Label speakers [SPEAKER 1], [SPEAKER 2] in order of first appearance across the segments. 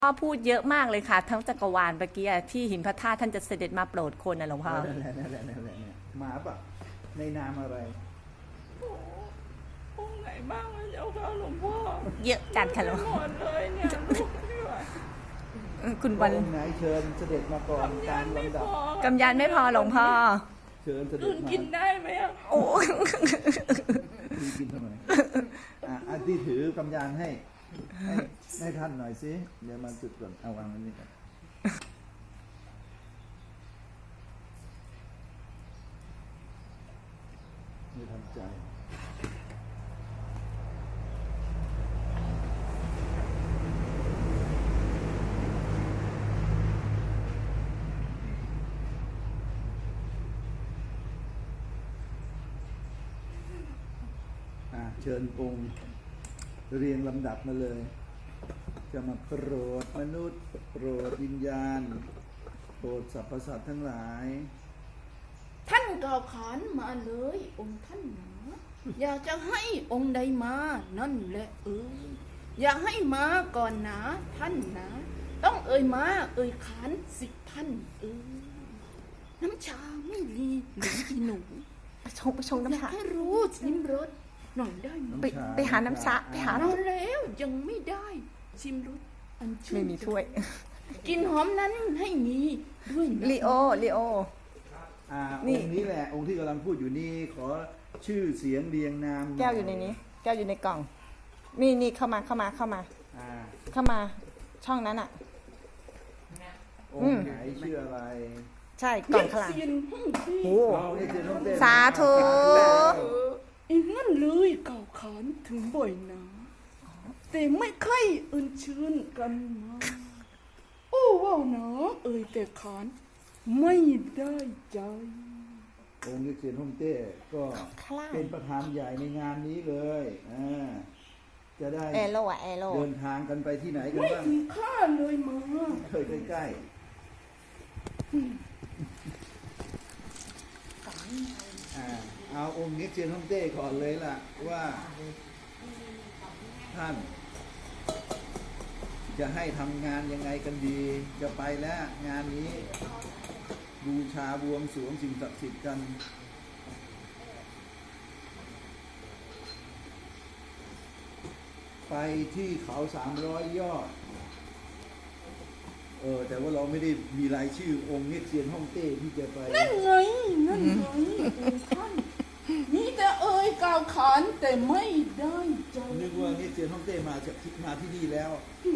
[SPEAKER 1] พ่อพูดเยอะมากเลยค่ะทั้งจักรวาลเมื่อกี้ที่หินพระธาตุท่านจะเสด็จมาโปรดคนนะหลวงพ่อ
[SPEAKER 2] นั่นแหละเนี่ยหมาปะในนามอะไร
[SPEAKER 3] องค์ไหนบ้างนะเจ้าค่ะหลวงพ่อ
[SPEAKER 1] เยอะจัดค่ะหลวงพ่อ
[SPEAKER 3] หมดเลยเนี่ยลูกไม่ไหว
[SPEAKER 1] คุณวัน
[SPEAKER 2] องค์ไหนเชิญเสด็จมาก่อนตามลำดับ
[SPEAKER 1] กำยานไม่พอหลวงพ่อ
[SPEAKER 2] เชิญเสด็จมา
[SPEAKER 3] กินได้ไหมอ่ะ
[SPEAKER 1] โอ้
[SPEAKER 2] กินทำไมอันที่ถือกำยานให้ท่านหน่อยสิเดี๋ยวมาจุดก่อนเอาวางอันนี้ก่อนไม่ทำใจเชิญองค์เรียงลำดับมาเลยจะมาโปรดมนุษย์โปรดวิญญาณโปรดสรรพสัตว์ทั้งหลาย
[SPEAKER 4] ท่านกล่าวขานมาเลยองค์ท่านหนาอยากจะให้องค์ใดมานั่นแหละอยากให้มาก่อนนะท่านนะต้องมาขานสิท่านน้ำชาไม่รีหรืออีหนู
[SPEAKER 1] ไปชงน้ำชา
[SPEAKER 4] ให้รู้ชิมรสหน่อยได้ไหม
[SPEAKER 1] ไปหาน้ำชาไปหา
[SPEAKER 4] แล้วยังไม่ได้ชิมรสอันชื่
[SPEAKER 1] ไม่มีถ้วย
[SPEAKER 4] กินหอมนั้นให้มีด้วยนะ
[SPEAKER 1] ลีโอ
[SPEAKER 2] องค์นี้แหละองค์ที่กำลังพูดอยู่นี่ขอชื่อเสียงเรียงนาม
[SPEAKER 1] แก้วอยู่ในนี้แก้วอยู่ในกล่องนี่เข้ามาช่องนั้นอ่ะ
[SPEAKER 2] องค์ไหนชื่ออะไร
[SPEAKER 1] ใช่กล่องข้างหลังโอ้สาธุ
[SPEAKER 4] อีนั่นเลยเก่าขานถึงบ่อยนะแต่ไม่ค่อยชื่นกันนะโอ้ว้าวนะแต่ขานไม่ได้ใจ
[SPEAKER 2] องค์เซียนฮ่องเต้ก็เป็นประธานใหญ่ในงานนี้เลยจะได้
[SPEAKER 1] เ
[SPEAKER 2] ดินทางกันไปที่ไหนกันบ้าง
[SPEAKER 4] ไม่ถึงข้าเลยมา
[SPEAKER 2] เคยใกล้เอาองค์เซียนฮ่องเต้ก่อนเลยล่ะว่าท่านจะให้ทำงานยังไงกันดีจะไปแล้วงานนี้บูชาบวงสรวงสิ่งศักดิ์สิทธิ์กันไปที่เขา300 ยอดแต่ว่าเราไม่ได้มีรายชื่อองค์เซียนฮ่องเต้ที่จะไป
[SPEAKER 4] นั่นไงท่านมีแต่กล่าวขานแต่ไม่ได้ใจ
[SPEAKER 2] นึกว่าเซียนฮ่องเต้มาที่นี่แล้ว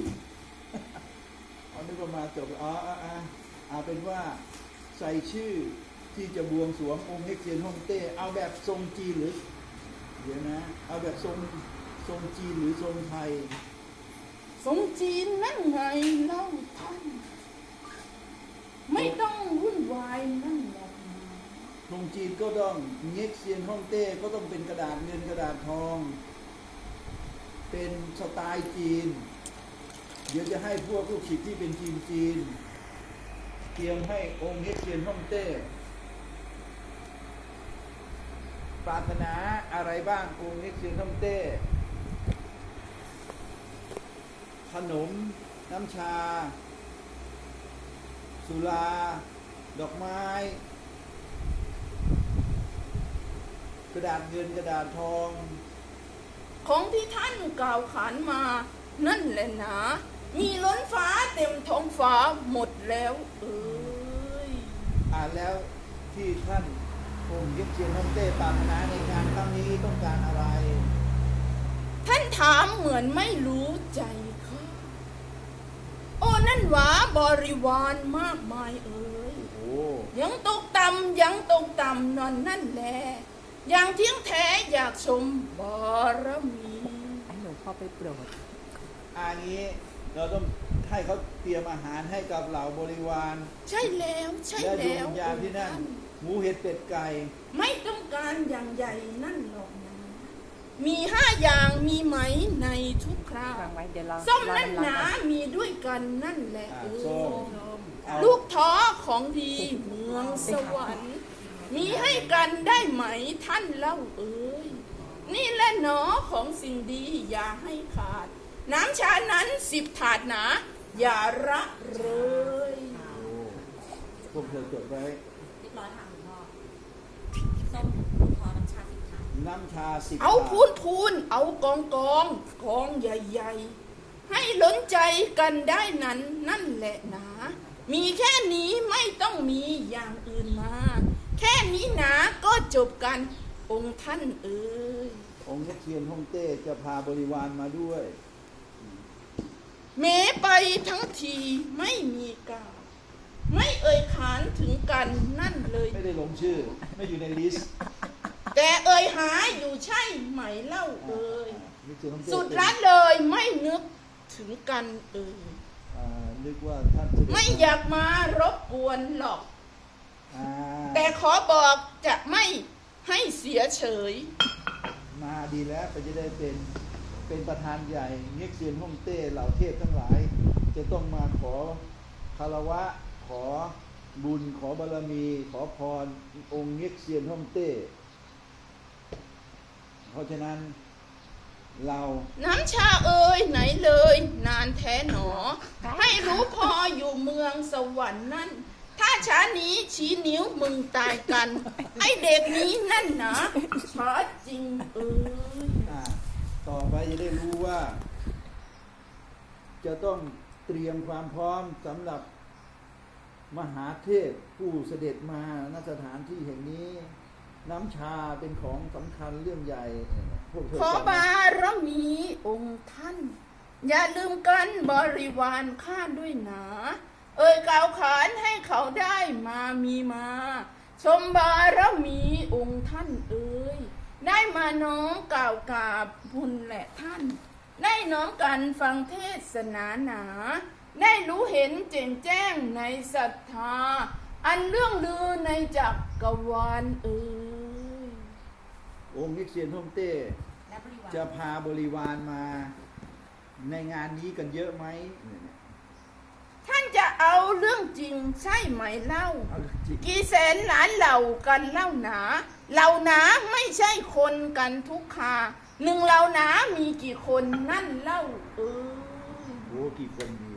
[SPEAKER 2] นึกว่ามาจบเอาเป็นว่าใส่ชื่อที่จะบวงสรวงองค์เซียนฮ่องเต้เอาแบบทรงจีนหรือเดี๋ยวนะเอาแบบทรงจีนหรือทรงไทย
[SPEAKER 4] ทรงจีนนั่นไงเล่าท่านไม่ต้องวุ่นวายนั่นหรอก
[SPEAKER 2] ทรงจีนก็ต้องเซียนฮ่องเต้ก็ต้องเป็นกระดาษเงินกระดาษทองเป็นสไตล์จีนเดี๋ยวจะให้พวกลูกศิษย์ที่เป็นจีนเตรียมให้องค์เซียนฮ่องเต้ปรารถนาอะไรบ้างองค์เซียนฮ่องเต้ขนมน้ำชาสุราดอกไม้กระดาษเงินกระดาษทอง
[SPEAKER 4] ของที่ท่านกล่าวขานมานั่นแหละนะมีล้นฟ้าเต็มท้องฟ้าหมดแล้ว
[SPEAKER 2] แล้วที่ท่านองค์เซียนฮ่องเต้ปรารถนาในงานครั้งนี้ต้องการอะไร
[SPEAKER 4] ท่านถามเหมือนไม่รู้ใจค่ะโอ้นั่นหวาบริวารมากมายยังตกต่ำนั่นแหละอย่างเที่ยงแท้อยากชมบารมี
[SPEAKER 1] หลวงพ่อไปโปรด
[SPEAKER 2] นี้เราต้องให้เขาเตรียมอาหารให้กับเหล่าบริวาร
[SPEAKER 4] ใช่แล้ว
[SPEAKER 2] และดวงวิญญาณที่นั่นหมูเห็ดเป็ดไก่
[SPEAKER 4] ไม่ต้องการอย่างใหญ่นั่นหรอกนะมี5 อย่างมีไหมในทุกคราวส้มนั่นหนามีด้วยกันนั่นแหละลูกท้อของดีเมืองสวรรค์มีให้กันได้ไหมท่านเล่านี่แหละหนอของสิ่งดีอย่าให้ขาดน้ำชานั้น10 ถาดหนาอย่าละเลย
[SPEAKER 2] โอ้พวกเธอจดไว้
[SPEAKER 5] เรียบร้อยค่ะหลวงพ่อส้มขอน้ำชาสิบค่ะ
[SPEAKER 2] น้ำชา10
[SPEAKER 4] เอา
[SPEAKER 2] บาท
[SPEAKER 4] พูนเอากองใหญ่ๆ ให้ล้นใจกันได้นั้นนั่นแหละนะ มีแค่นี้ไม่ต้องมีอย่างอื่นมา แค่นี้นะก็จบกันองค์ท่านเอ๋ย
[SPEAKER 2] องค์เทียนฮ่องเต้จะพาบริวารมาด้วย
[SPEAKER 4] เมไปทั้งทีไม่มีกล่าว ไม่เอ่ยขานถึงกันนั่นเลย
[SPEAKER 2] ไม่ได้ลงชื่อ ไม่อยู่ในลิสต์
[SPEAKER 4] แต่เอ่ยหาอยู่ใช่ไหมเล่าเอ่ย
[SPEAKER 2] นี่คือฮ่องเต้
[SPEAKER 4] สุดละเลยไม่นึกถึงกันเอ่ย
[SPEAKER 2] นึกว่าท่านเสด็จ
[SPEAKER 4] ไม่อยากมารบกวนหรอก
[SPEAKER 2] อ่า
[SPEAKER 4] แต่ขอบอกจะไม่ให้เสียเฉย
[SPEAKER 2] มาดีแล้วก็จะได้เป็นประธานใหญ่เง็กเซียนฮ่องเต้เหล่าเทพทั้งหลาย จะต้องมาขอคารวะขอบุญขอบารมี ขอพรองค์เง็กเซียนฮ่องเต้ เพราะฉะนั้นเรา
[SPEAKER 4] น้ำชาเอ่ยไหนเลย นานแท้หนอ ให้รู้พออยู่เมืองสวรรค์นั่น ถ้าช้านี้ชี้นิ้วมึงตายกัน ไอเด็กนี้นั่นนะช้าจริงเอ่ย
[SPEAKER 2] ต่อไปจะได้รู้ว่า จะต้องเตรียมความพร้อมสำหรับมหาเทพผู้เสด็จมาณสถานที่แห่งนี้ น้ำชาเป็นของสำคัญเรื่องใหญ่พวกเธอ
[SPEAKER 4] ขอบารมีองค์ท่าน อย่าลืมกันบริวารข้าด้วยหนา เอ่ยกล่าวขานให้เขาได้มามีมา ชมบารมีองค์ท่านเอ่ยได้มาน้อมกล่าวกราบบุญแหละท่าน ได้น้อมกันฟังเทศนาหนา ได้รู้เห็นแจ่มแจ้งในศรัทธา อันเรื่องลือในจักรวาลเอ่ย
[SPEAKER 2] องค์เง็กเซียนฮ่องเต้
[SPEAKER 5] และบริวาร
[SPEAKER 2] จะพาบริวารมาในงานนี้กันเยอะไหม
[SPEAKER 4] ท่านจะเอาเรื่องจริงใช่ไหมเล่า
[SPEAKER 2] เอาจริง
[SPEAKER 4] กี่แสนล้านเหล่ากันเล่าหนาเหล่าหนาไม่ใช่คนกันทุกคาหนึ่งเหล่าหนามีกี่คนนั่นเล่าเออ
[SPEAKER 2] โอ้กี่คนดี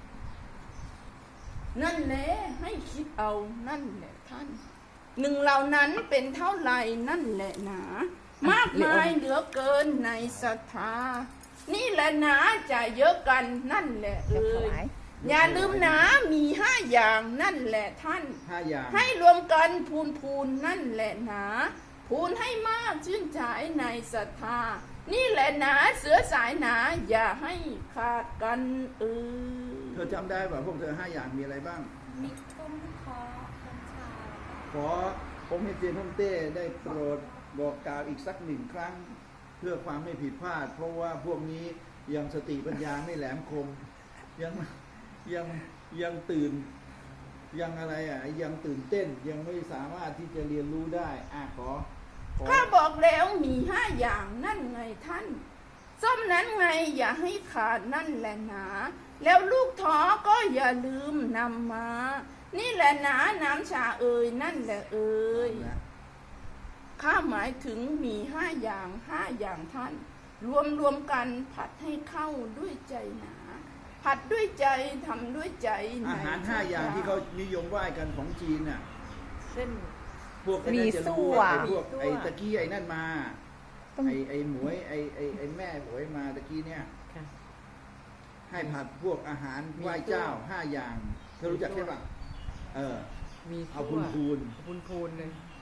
[SPEAKER 4] นั่นแหละให้คิดเอานั่นแหละท่านหนึ่งเหล่านั้นเป็นเท่าไหร่นั่นแหละหนามากมายเหลือเกินในศรัทธานี่แหละหนาจะเยอะกันนั่นแหละเอ
[SPEAKER 1] จะถ
[SPEAKER 4] อ
[SPEAKER 1] วาย
[SPEAKER 4] อย่าลืมหนามี5 อย่างนั่นแหละท่าน
[SPEAKER 2] 5 อย่าง
[SPEAKER 4] ให้รวมกันพูนนั่นแหละหนาพูนให้มากชื่นใจในศรัทธานี่แหละหนาเสือสายหนาอย่าให้ขาดกันเออ
[SPEAKER 2] เธอจำได้ป่ะพวกเธอ5 อย่างมีอะไรบ้าง
[SPEAKER 5] มีต้มคอน้ำชา
[SPEAKER 2] ขอองค์เง็กเซียนฮ่องเต้ได้โปรดบอกกล่าวอีกสัก1 ครั้ง เพื่อความไม่ผิดพลาด เพราะว่าพวกนี้ยังสติปัญญาไม่แหลมคม ยังตื่นยังอะไรยังตื่นเต้นยังไม่สามารถที่จะเรียนรู้ได้ขอ
[SPEAKER 4] ข้าบอกแล้วมี5 อย่างนั่นไงท่านส้มนั้นไงอย่าให้ขาดนั่นแหละหนาแล้วลูกท้อก็อย่าลืมนำมา นี่แหละหนาน้ำชาเอ่ยนั่นแหละเอ่ย ข้าหมายถึงมี5 อย่างท่าน รวมกันผัดให้เข้าด้วยใจหนา ผัดด้วยใจทำด้วยใจ
[SPEAKER 2] อาหาร5 อย่างที่เขานิยมไหว้กันของจีนน่ะ
[SPEAKER 1] เส้น
[SPEAKER 2] พวกไอ้นั่นจะรู้ว่า
[SPEAKER 1] มีซั่ว
[SPEAKER 2] ไอ้พวกไอ้ตะกี้ไอ้นั่นมา
[SPEAKER 1] ต้อง
[SPEAKER 2] ไอ้หมวยไอ้แม่หมวยมาตะกี้เนี่ย
[SPEAKER 1] ค่ะ
[SPEAKER 2] ให้ผัดพวกอาหารไหว้เจ้า5 อย่างเธอรู้จักใช่ปะ
[SPEAKER 6] มี
[SPEAKER 2] เอาพูน
[SPEAKER 6] พูนเลย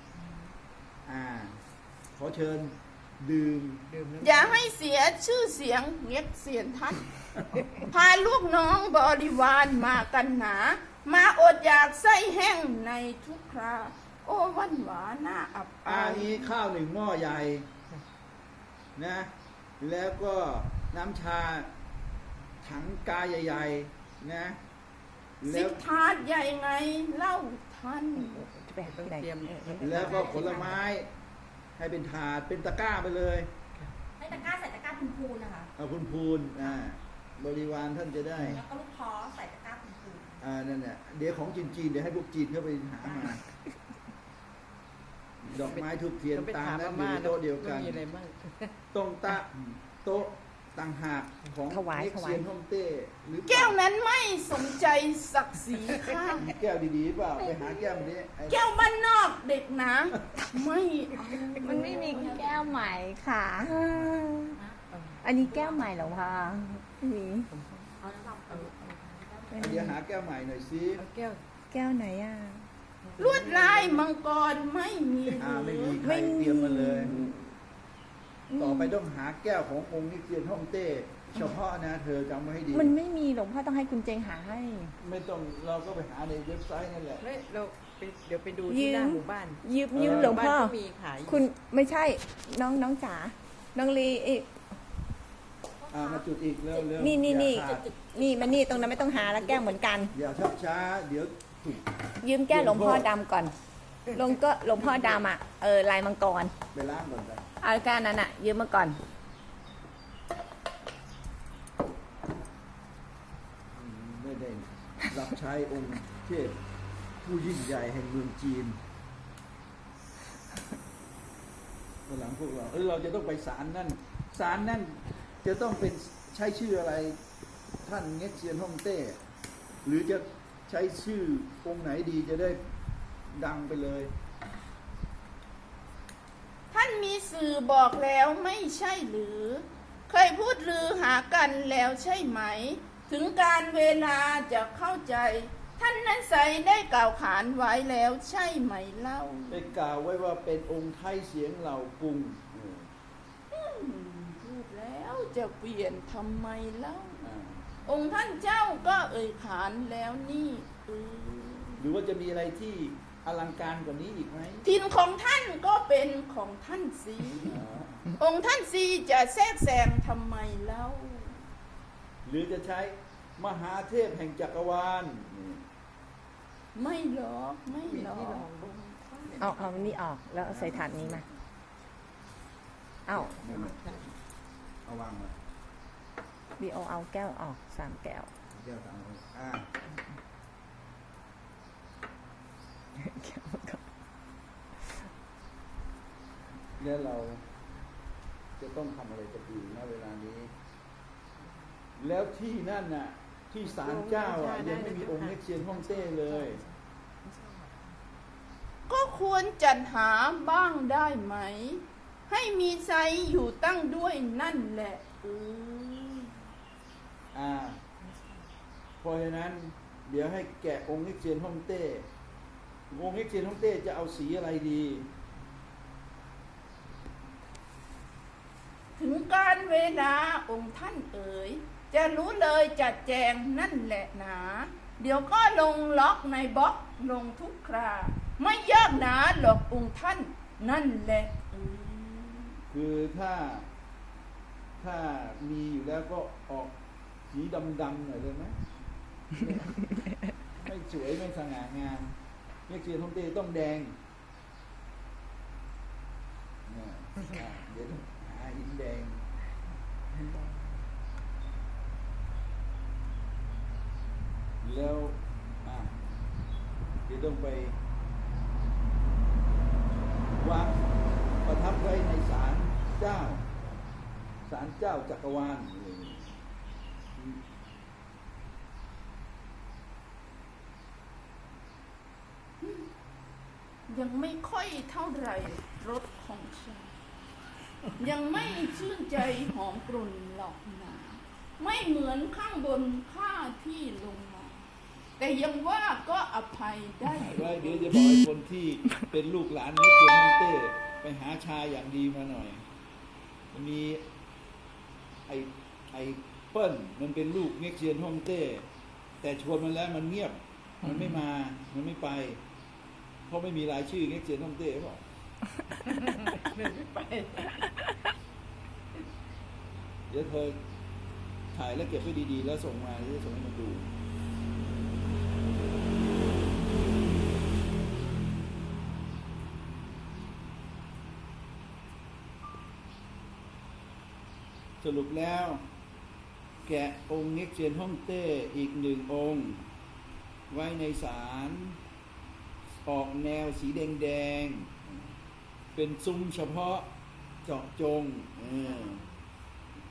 [SPEAKER 2] ขอเชิญดื่ม
[SPEAKER 6] ดื่มน้ำ
[SPEAKER 4] อย่าให้เสียชื่อเสียงเงียบเสียนท่าน พาลูกน้องบริวารมากันหนา มาอดอยากไส้แห้งในทุกครา โอ้วันหวาหน้าอับอาย
[SPEAKER 2] นี้ข้าว1 หม้อใหญ่นะ แล้วก็น้ำชาถังกาใหญ่ๆนะ แล้
[SPEAKER 4] สิ
[SPEAKER 2] ว
[SPEAKER 4] บถาดใหญ่ไงเล่าท่าน
[SPEAKER 1] จะไปที่ไหน
[SPEAKER 2] แล้วก็ผลไม้ให้เป็นถาดเป็นตะกร้าไปเลย
[SPEAKER 5] ให้ตะกร้าใส่ตะกร้าพูนๆนะคะ
[SPEAKER 2] เอาพูนบริวารท่านจะได้
[SPEAKER 5] แล้วก็ลูกท้อใส่ตะกร้าพูน
[SPEAKER 2] นั่นแหละเดี๋ยวของจีนเดี๋ยวให้พวกจีนเข้าไปหามา ดอกไม้ทุกเทียน
[SPEAKER 6] ไป
[SPEAKER 2] ตาม
[SPEAKER 6] ถาม
[SPEAKER 2] นั้นอยู่
[SPEAKER 6] ม่า
[SPEAKER 2] ในโต๊ะเดียวกัน
[SPEAKER 6] มีอะไรบ้าง
[SPEAKER 2] โต๊ะต่างหากของ
[SPEAKER 1] ถวาย
[SPEAKER 2] เน็ก
[SPEAKER 1] ถวาย
[SPEAKER 2] เซียนฮ่องเต้หรือเปล่า
[SPEAKER 4] แก้วนั้นไม่สนใจศักดิ์ศรีค่ะ
[SPEAKER 2] มีแก้วดีๆเปล่าไปหาแก้วมันนี้ไอ้
[SPEAKER 4] แก้วบ้านนอกเด็กนะไม่เอา
[SPEAKER 1] มันไม่มีแก้วใหม่ค่ะ อันนี้แก้วใหม่เหรอคะไม่มี
[SPEAKER 5] เอาน้ำมันเอา
[SPEAKER 2] เดี๋ยวหาแก้วใหม่หน่อยสิ
[SPEAKER 6] เอาแก้ว
[SPEAKER 1] แก้วไหนอ่ะ
[SPEAKER 4] ลวดลายมังกรไม่มี
[SPEAKER 2] ไม่มีใคร
[SPEAKER 1] ไม่มี
[SPEAKER 2] เตรียมมาเลย ต่อไปต้องหาแก้วขององค์เน็กเซียนฮ่องเต้เฉพาะนะเธอจำไว้ให้ดี
[SPEAKER 1] มันไม่มีหลวงพ่อต้องให้คุณเจงหาให้
[SPEAKER 2] ไม่ต้องเราก็ไปหาในเว็บไซต์นั่นแหละ
[SPEAKER 6] ไม่เราไปเดี๋ยวไปดู
[SPEAKER 1] ยื
[SPEAKER 6] ที่
[SPEAKER 1] ม
[SPEAKER 6] หน้าหมู่บ้าน
[SPEAKER 1] ยืมหลวงพ่อ
[SPEAKER 6] บ้านก็มีขายอยู่
[SPEAKER 1] คุณไม่ใช่น้องจ๋าน้องลีเอ๊ะ
[SPEAKER 2] มาจุดอีกเร็วเร็ว
[SPEAKER 1] นี่
[SPEAKER 2] อย่าขาด
[SPEAKER 1] นี่มานี่ตรงนั้นไม่ต้องหาแล้วแก้วเหมือนกัน
[SPEAKER 2] อย่าชักช้าเดี๋ยวถูก
[SPEAKER 1] ยืมแก้วหลวงพ่อดำก่อนหลวงพ่อดำอ่ะลายมังกร
[SPEAKER 2] ไปล้างก่อนกัน
[SPEAKER 1] เอาแก้วนั้นอ่ะ ยืมมาก่อน
[SPEAKER 2] ไม่ได้รับใช้องค์เทพผู้ยิ่งใหญ่แห่งเมืองจีนวันหลังพวกเราเราจะต้องไปศาลนั่นศาลนั่นจะต้องเป็นใช้ชื่ออะไรท่านเง็กเซียนฮ่องเต้หรือจะใช้ชื่อองค์ไหนดีจะได้ดังไปเลย
[SPEAKER 4] ท่านมีสื่อบอกแล้วไม่ใช่หรือ เคยพูดลือหากันแล้วใช่ไหม ถึงการเวลาจะเข้าใจ ท่านนั้นใส่ได้กล่าวขานไว้แล้วใช่ไหมเล่า
[SPEAKER 2] ได้กล่าวไว้ว่าเป็นองค์ไทยเสียงเหล่ากรุง
[SPEAKER 4] พูดแล้วจะเปลี่ยนทำไมเล่า
[SPEAKER 2] อ่า
[SPEAKER 4] องค์ท่านเจ้าก็เอ่ยขานแล้วนี่
[SPEAKER 2] หรือว่าจะมีอะไรที่อลังการกว่านี้อีกไหม
[SPEAKER 4] ทินของท่านก็เป็นของท่านสี องค์ท่านสีจะแทรกแซงทำไมเล่า
[SPEAKER 2] หรือจะใช้มหาเทพแห่งจักรวาล
[SPEAKER 4] ไม่หรอกไม่หรอก
[SPEAKER 1] เอานี่ออกแล้วใส่ถาดนี้มาเอา
[SPEAKER 2] เอาวางมา
[SPEAKER 1] บีโอเอาแก้วออก3 แก้ว
[SPEAKER 2] แก้วตามแล้วเราจะต้องทำอะไรกันดีณเวลานี้ แล้วที่นั่นน่ะที่ศาลเจ้ายังไม่มีองค์เน็กเซียนฮ่องเต้เลย
[SPEAKER 4] ก็ควรจัดหาบ้างได้ไหม ให้มีไซอยู่ตั้งด้วยนั่นแหละ
[SPEAKER 2] เพราะฉะนั้นเดี๋ยวให้แกะองค์เน็กเซียนฮ่องเต้องค์เน็กเซียนฮ่องเต้จะเอาสีอะไรดี
[SPEAKER 4] ถึงการเวลาองค์ท่านเอ๋ยจะรู้เลยจัดแจงนั่นแหละหนา เดี๋ยวก็ลงล็อกในบล็อกลงทุกครา ไม่ยากหนาหรอกองค์ท่านนั่นแหละ
[SPEAKER 2] คือถ้ามีอยู่แล้วก็ออกสีดำๆหน่อยเลยไหม ไม่สวยไม่สง่างามเน็กเซียนฮ่องเต้ต้องแดงเดี๋ยวต้องหาหินแดงแล้วเดี๋ยวต้องไปวางประทับไว้ในศาลเจ้าจักรวาล
[SPEAKER 4] ยังไม่ค่อยเท่าไหร่รสของฉันยังไม่ชื่นใจหอมกลุ่นหรอกนะไม่เหมือนข้างบนข้าที่ลงมา แต่ยังว่าก็อภัยได้
[SPEAKER 2] เดี๋ยวจะบอกให้คนที่เป็นลูกหลานเน็กเซียนฮ่องเต้ไปหาชาอย่างดีมาหน่อยมีไอ้เปิ้ลมันเป็นลูกเน็กเซียนฮ่องเต้แต่ชวนมันแล้วมันเงียบมันไม่มามันไม่ไปเพราะไม่มีรายชื่อเน็กเซียนฮ่องเต้หรอก
[SPEAKER 6] ไม่ไป
[SPEAKER 2] เดี๋ยวเธอถ่ายแล้วเก็บไว้ดีๆแล้วส่งมาจะส่งให้มันดูสรุปแล้วแกะองค์เน็กเซียนฮ่องเต้อีก1 องค์ไว้ในศาลออกแนวสีแดงๆเป็นซุ้มเฉพาะเจาะจง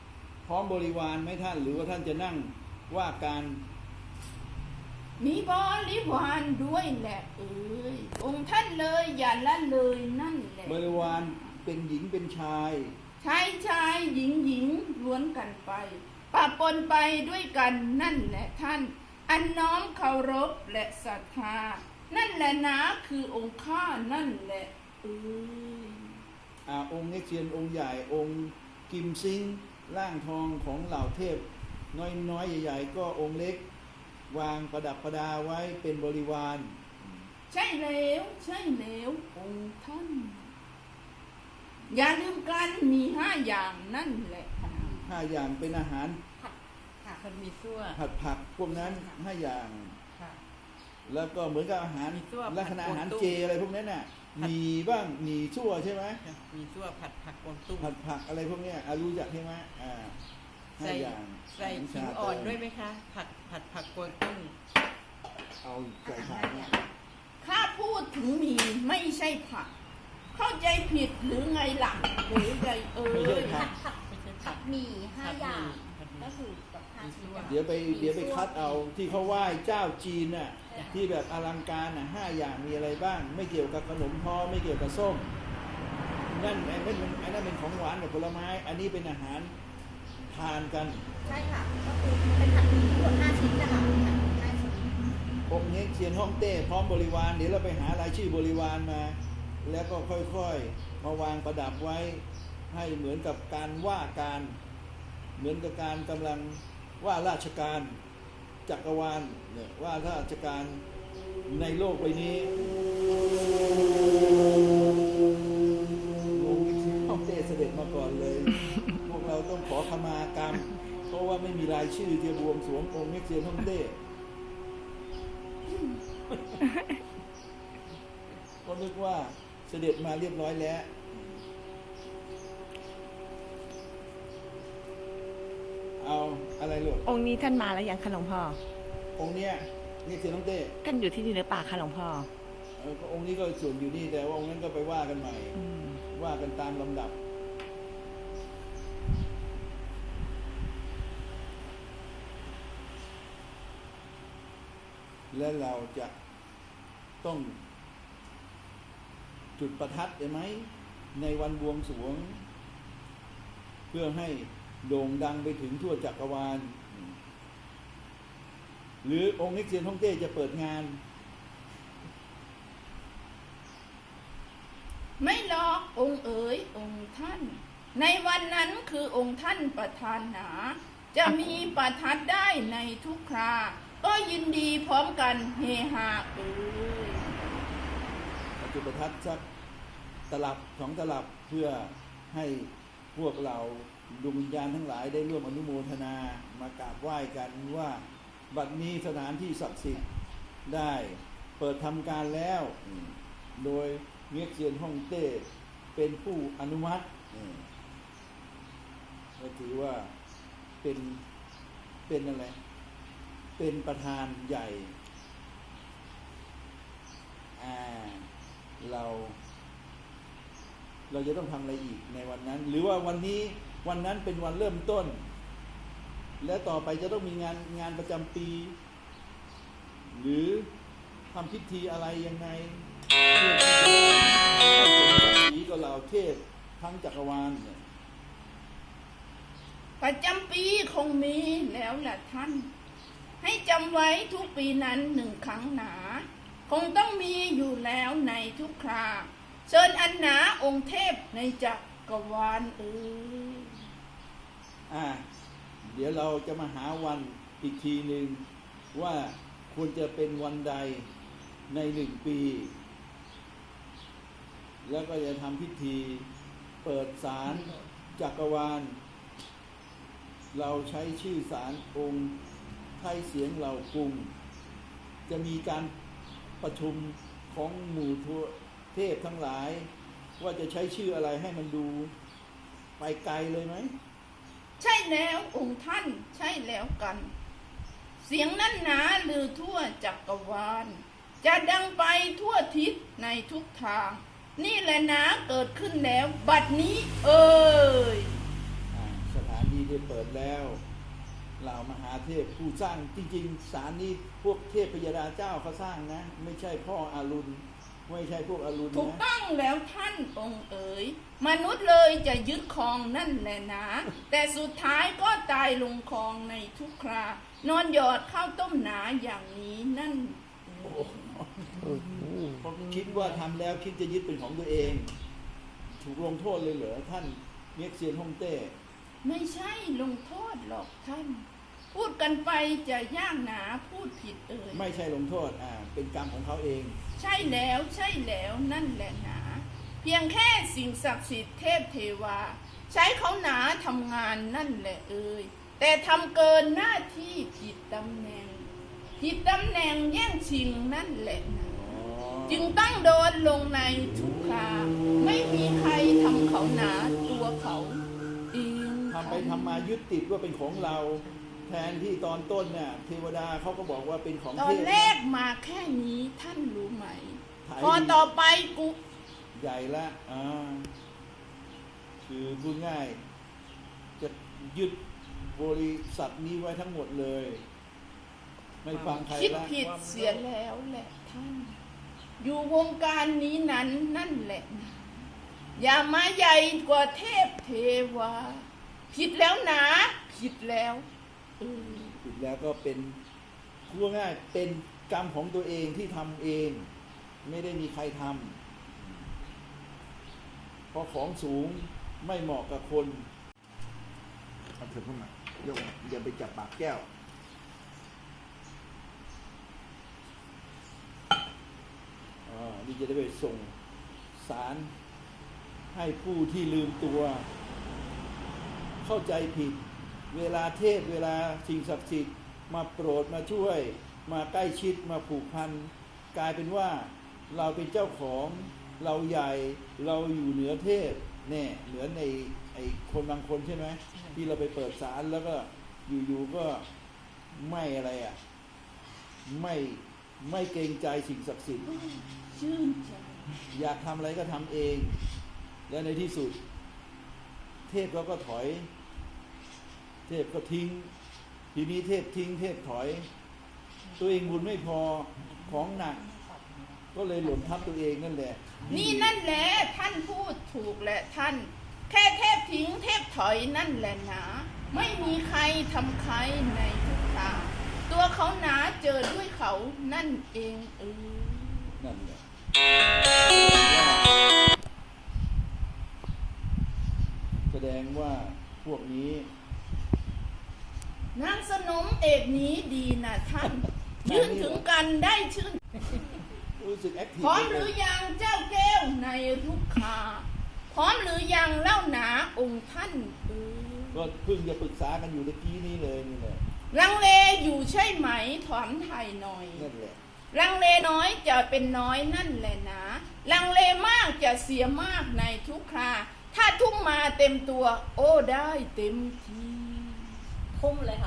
[SPEAKER 2] พร้อมบริวารไหมท่านหรือว่าท่านจะนั่งว่าการ
[SPEAKER 4] มีบริวารด้วยแหละเอ้ยองค์ท่านเลยอย่าละเลยนั่นแหละ
[SPEAKER 2] บริวารเป็นหญิงเป็นชาย
[SPEAKER 4] ชายชายหญิงหญิงล้วนกันไปปะปนไปด้วยกันนั่นแหละท่าน อันน้อมเคารพและศรัทธานั่นแหละนะคือองค์ข้านั่นแหละเอ้ย
[SPEAKER 2] องค์เง็กเซียนองค์ใหญ่องค์กิมซิงร่างทองของเหล่าเทพน้อยๆใหญ่ๆก็องค์เล็กวางประดับประดาไว้เป็นบริวาร
[SPEAKER 4] ใช่แล้วใช่แล้วองค์ท่าน อย่าลืมกันมี5 อย่างนั่นแหละ
[SPEAKER 2] 5 อย่างเป็นอาหาร
[SPEAKER 6] ค่ะมันมีซั่ว
[SPEAKER 2] ผัดผักพวกนั้น5 อย่าง
[SPEAKER 6] ค่ะ
[SPEAKER 2] แล้วก็เหมือนกับอาหาร
[SPEAKER 6] มีซั่ว
[SPEAKER 2] ลักษณะอาหาร
[SPEAKER 6] ผัด
[SPEAKER 2] เจอะไรพวกนั้นน่ะมีบ้างมีชั่วใช่ไหม
[SPEAKER 6] มีซั่วผัดผักกวางตุ้ง
[SPEAKER 2] ผัดผักอะไรพวกเนี้ยรู้จักใช่ไหมห้า
[SPEAKER 6] ใส่
[SPEAKER 2] อย่าง
[SPEAKER 6] ใส่ขิงอ่อนด้วยไหมคะผัดผักกวางตุ้ง
[SPEAKER 2] เอาใส่ผักเนี่ย
[SPEAKER 4] ข้าพูดถึงมีไม่ใช่ผัก เข้าใจผิดหรือไงหลังหรือไงเอ้
[SPEAKER 2] ไม่ใช่
[SPEAKER 4] ย
[SPEAKER 2] ผัก
[SPEAKER 6] ไม่ใช่
[SPEAKER 5] ผั
[SPEAKER 6] ผั
[SPEAKER 5] ด
[SPEAKER 6] ก
[SPEAKER 5] หมี่5 อย่าง
[SPEAKER 6] ผัดหมี่
[SPEAKER 5] ก็คือแบบ5 ชิ้น
[SPEAKER 2] เดี๋ยวไปคัดเอาที่เขาไหว้เจ้าจีนน่ะที่แบบอลังการน่ะ5 อย่างมีอะไรบ้าง ไม่เกี่ยวกับขนมทอไม่เกี่ยวกับส้มนั่นไอ้นั่นเป็นของหวานกับผลไม้ อันนี้เป็นอาหารทานกัน
[SPEAKER 5] ใช่ค่ะ ก็คือเป็นผัดหมี่ทั้งหมด5 ชิ้นนะคะ5 ชิ้น
[SPEAKER 2] องค์เง็กเซียนฮ่องเต้พร้อมบริวารเดี๋ยวเราไปหารายชื่อบริวารมา แล้วก็ค่อยๆมาวางประดับไว้ให้เหมือนกับการว่าการเหมือนกับการกำลังว่าราชการจักรวาลเนี่ยว่าราชการในโลกใบนี้องค์เง็กเซียนฮ่องเต้เสด็จมาก่อนเลย พวกเราต้องขอขมากรรมเพราะว่าไม่มีรายชื่อที่บวงสรวงองค์เง็กเซียนฮ่องเต้ก็นึกว่าเสด็จมาเรียบร้อยแล้วเอาอะไรลูก
[SPEAKER 1] องค์นี้ท่านมาแล้วยังคะหลวงพ่อ
[SPEAKER 2] องค์เนี้ยนี่คือน้องเต้
[SPEAKER 1] ท่านอยู่ที่นี่หรือเปล่าคะหลวงพ่อ
[SPEAKER 2] ก็องค์นี้ก็ส่วนอยู่นี่แต่ว่าองค์นั้นก็ไปว่ากันใหม่
[SPEAKER 1] อืม
[SPEAKER 2] ว่ากันตามลำดับ และเราจะต้องจุดประทัดได้ไหมในวันบวงสรวง เพื่อให้โด่งดังไปถึงทั่วจักรวาล หรือองค์เง็กเซียนฮ่องเต้จะเปิดงาน
[SPEAKER 4] ไม่หรอกองค์เอ๋ยองค์ท่าน ในวันนั้นคือองค์ท่านประธานหนา จะมีประทัดได้ในทุกครา ก็ยินดีพร้อมกันเฮฮาเอ๋ย
[SPEAKER 2] จุดประทัดสักตลับ2 ตลับเพื่อให้พวกเราดวงวิญญาณทั้งหลายได้ร่วมอนุโมทนามากราบไหว้กันว่าบัดนี้สถานที่ศักดิ์สิทธิ์ได้เปิดทำการแล้ว โดยเง็กเซียนฮ่องเต้เป็นผู้อนุมัติก็ถือว่าเป็นอะไรเป็นประธานใหญ่เราจะต้องทำอะไรอีกในวันนั้น หรือว่าวันนั้นเป็นวันเริ่มต้น และต่อไปจะต้องมีงานประจำปี หรือทำพิธีอะไรยังไงเพื่อที่จะได้สีกับเหล่าเทพทั้งจักรวาลเนี่ย
[SPEAKER 4] ประจำปีคงมีแล้วแหละท่าน ให้จำไว้ทุกปีนั้น1 ครั้งหนา คงต้องมีอยู่แล้วในทุกคราเชิญอันหนาองค์เทพในจักรวาลเอ๋ย
[SPEAKER 2] เดี๋ยวเราจะมาหาวันอีกทีหนึ่งว่าควรจะเป็นวันใดใน1 ปี แล้วก็จะทำพิธีเปิดศาลจักรวาล เราใช้ชื่อศาลองค์ไทยเสียงเหล่ากรุง จะมีการประชุมของหมู่เทพทั้งหลาย ว่าจะใช้ชื่ออะไรให้มันดูไปไกลเลยไหม
[SPEAKER 4] ใช่แล้วองค์ท่านใช่แล้วกัน เสียงนั้นหนาลือทั่วจักรวาล จะดังไปทั่วทิศในทุกทาง นี่แหละนะเกิดขึ้นแล้วบัดนี้เอ่ย
[SPEAKER 2] สถานที่ได้เปิดแล้วเหล่ามหาเทพผู้สร้างจริงๆศาลนี้พวกเทพพยดาเจ้าเขาสร้างนะ ไม่ใช่พ่ออารุณไม่ใช่พวกอารุณ
[SPEAKER 4] ถูก
[SPEAKER 2] นะ
[SPEAKER 4] ต้องแล้วท่านองค์เอ๋ยมนุษย์เลยจะยึดครองนั่นแหละนะ แต่สุดท้ายก็ตายลงคลองในทุกครานอนหยอดข้าวต้มหนาอย่างนี้นั่น
[SPEAKER 2] เพราะคิดว่าทำแล้วคิดจะยึดเป็นของตัวเอง ถูกลงโทษเลยเหรอท่านเมียกเซียนฮ่องเต้
[SPEAKER 4] ไม่ใช่ลงโทษหรอกท่าน พูดกันไปจะยากหนาพูดผิดเอ่ย
[SPEAKER 2] ไม่ใช่ลงโทษเป็นกรรมของเขาเอง
[SPEAKER 4] ใช่แล้วใช่แล้วนั่นแหละหนา เพียงแค่สิ่งศักดิ์สิทธิ์เทพเทวา ใช้เขาหนาทำงานนั่นแหละเอ่ยแต่ทำเกินหน้าที่ผิดตำแหน่งแย่งชิงนั่นแหละหนาจึงต้องโดนลงในทุกคราไม่มีใครทำเขาหนาตัวเขาเอง
[SPEAKER 2] ทำไปทำมายึดติดว่าเป็นของเรา แทนที่ตอนต้นเนี่ยเทวดาเขาก็บอกว่าเป็นของ
[SPEAKER 4] ต
[SPEAKER 2] เท
[SPEAKER 4] อน
[SPEAKER 2] พ
[SPEAKER 4] แรกมาแค่นี้ท่านรู้ไหม
[SPEAKER 2] ถ่าย
[SPEAKER 4] พอต่อไปกู
[SPEAKER 2] ใหญ่ละคือพูดง่าย จะยึดบริษัทนี้ไว้ทั้งหมดเลย ไม่ฟังใคร
[SPEAKER 4] คิด
[SPEAKER 2] ละ
[SPEAKER 4] ผิดเสียแล้วแหละท่าน อยู่วงการนี้นั้นนั่นแหละนะอย่ามาใหญ่กว่าเทพเทวา ผิดแล้วนะ ผิดแล้ว
[SPEAKER 2] ผิดแล้วก็เป็นพูดง่ายเป็นกรรมของตัวเองที่ทำเอง ไม่ได้มีใครทำเพราะของสูงไม่เหมาะกับคนเอาเถอะเข้ามายกอย่าไปจับปากแก้วนี่จะได้ไปส่งสารให้ผู้ที่ลืมตัว เข้าใจผิดเวลาเทพเวลาสิ่งศักดิ์สิทธิ์มาโปรดมาช่วยมาใกล้ชิดมาผูกพันกลายเป็นว่าเราเป็นเจ้าของเราใหญ่เราอยู่เหนือเทพแน่เหมือนในไอ้คนบางคนใช่ไหมที่เราไปเปิดศาลแล้วก็อยู่ๆก็ไม่อะไรไม่เกรงใจสิ่งศักดิ์สิทธิ์
[SPEAKER 4] ชื่นใจ
[SPEAKER 2] อยากทำอะไรก็ทำเอง และในที่สุดเทพก็ถอย เทพก็ทิ้ง ทีนี้เทพทิ้งเทพถอย ตัวเองบุญไม่พอของหนัก ก็เลยหล่นทับตัวเองนั่นแหละ
[SPEAKER 4] นี่นั่นแหละท่านพูดถูกแหละท่าน แค่เทพทิ้งเทพถอยนั่นแหละนะไม่มีใครทำใครในทุกตาตัวเขาหนาเจอด้วยเขานั่นเอง
[SPEAKER 2] นั่นแหละแสดงว่าพวกนี้
[SPEAKER 4] นางสนมเอกนี้ดีนะท่าน ยืนถึงกันได้ชื่น
[SPEAKER 2] รู้สึกแอคทีฟ
[SPEAKER 4] พร้อมหรือยังเจ้าแก้วในลูกคาพร้อมหรือยังเล่าหนาองค์ท่าน
[SPEAKER 2] ก็เพิ่งจะปรึกษากันอยู่เมื่อกี้นี้เลยนี่แหละ
[SPEAKER 4] ลังเลอยู่ใช่ไหมถามไทยหน่อย
[SPEAKER 2] นั่นแหละ
[SPEAKER 4] ลังเลน้อยจะเป็นน้อยนั่นแหละนะลังเลมากจะเสียมากในทุกคราถ้าทุ่มมาเต็มตัว โอ้ได้เต็มที
[SPEAKER 5] ทุ่มเลยค่ะ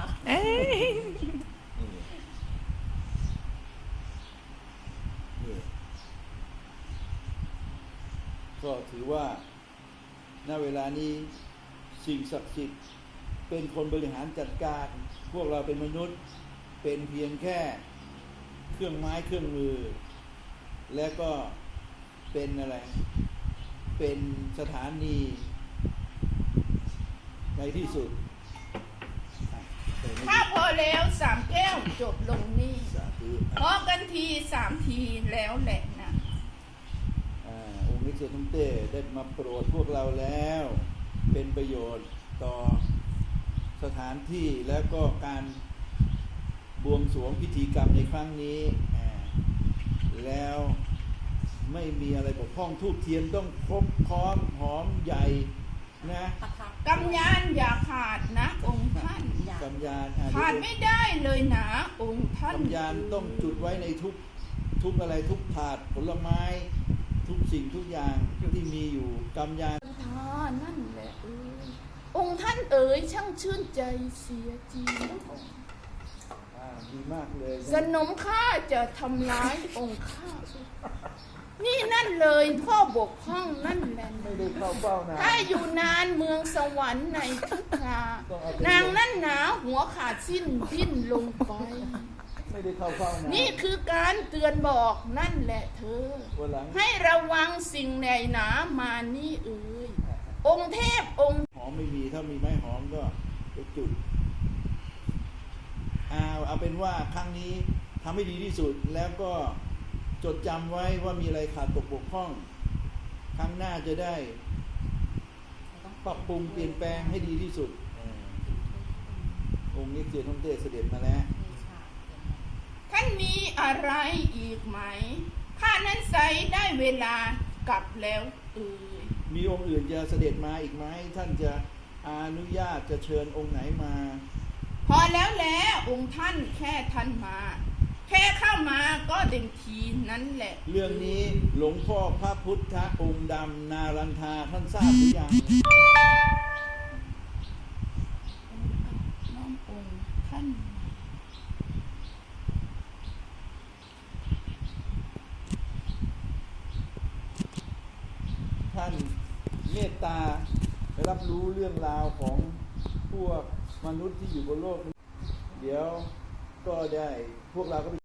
[SPEAKER 2] นี่ก็ถือว่าณเวลานี้สิ่งศักดิ์สิทธิ์เป็นคนบริหารจัดการ พวกเราเป็นมนุษย์เป็นเพียงแค่เครื่องไม้เครื่องมือ และก็เป็นอะไรเป็นสถานีในที่สุด
[SPEAKER 4] ถ้าพอแล้ว3 แก้วจบลงนี่
[SPEAKER 2] สาธุ
[SPEAKER 4] พอกันที3 ทีแล้วแหละนะ
[SPEAKER 2] องค์นิเศษทุ่งเต้ได้มาโปรดพวกเราแล้วเป็นประโยชน์ต่อสถานที่และก็การบวงสรวงพิธีกรรมในครั้งนี้แล้วไม่มีอะไรบกพร่องทูบเทียนต้องครบพร้อมหอมใหญ่นะ
[SPEAKER 4] กำยานอย่าขาดนะองค์ท่าน
[SPEAKER 2] กำยาน
[SPEAKER 4] ขาดไม่ได้เลยนะองค์ท่าน
[SPEAKER 2] กำยานต้องจุดไว้ในทุกอะไรทุกถาดผลไม้ทุกสิ่งทุกอย่างที่มีอยู่กำยาน
[SPEAKER 4] นั่นแหละองค์ท่านเอ๋ยช่างชื่นใจเสียจริง
[SPEAKER 2] ดีมากเลย
[SPEAKER 4] สนมข้าจะทำร้ายองค์ข้านี่นั่นเลยพ่อบกพร่องนั่นแหละ
[SPEAKER 2] ไม่ได้เข้าเฝ้านะ
[SPEAKER 4] ถ้าอยู่นานเมืองสวรรค์ในทุกครา
[SPEAKER 2] ต้องเอาไป
[SPEAKER 4] นางนั่นหนาหัวขาดสิ้นดิ้นลงไป
[SPEAKER 2] ไม่ได้เข้าเฝ้านะ
[SPEAKER 4] นี่คือการเตือนบอกนั่นแหละเธอ
[SPEAKER 2] วันหลัง
[SPEAKER 4] ให้ระวังสิ่งใหญ่หนามานี่เอ่ยองค์เทพองค์
[SPEAKER 2] หอมไม่มีถ้ามีไม้หอมก็ไปจุดเอาเป็นว่าครั้งนี้ทำให้ดีที่สุดแล้วก็จดจำไว้ว่ามีอะไรขาดตกบกพร่อง ครั้งหน้าจะได้ปรับปรุงเปลี่ยนแปลงให้ดีที่สุดองค์นี้เจียนฮ่องเต้เสด็จมาแล้ว
[SPEAKER 4] ท่านมีอะไรอีกไหมข้านั้นใส่ได้เวลากลับแล้วเอ่ย
[SPEAKER 2] มีองค์อื่นจะเสด็จมาอีกไหมท่านจะอนุญาตจะเชิญองค์ไหนมา
[SPEAKER 4] พอแล้วแหละองค์ท่านแค่ท่านมา แค่เข้ามาก็เต็มทีนั้นแหละ
[SPEAKER 2] เรื่องนี้หลวงพ่อพระพุทธองค์ดำนารันทาท่านทราบหรือยัง
[SPEAKER 4] น้อมองค์ท่าน
[SPEAKER 2] ท่านเมตตารับรู้เรื่องราวของพวกมนุษย์ที่อยู่บนโลกนี้เดี๋ยวก็ได้พวกเราก็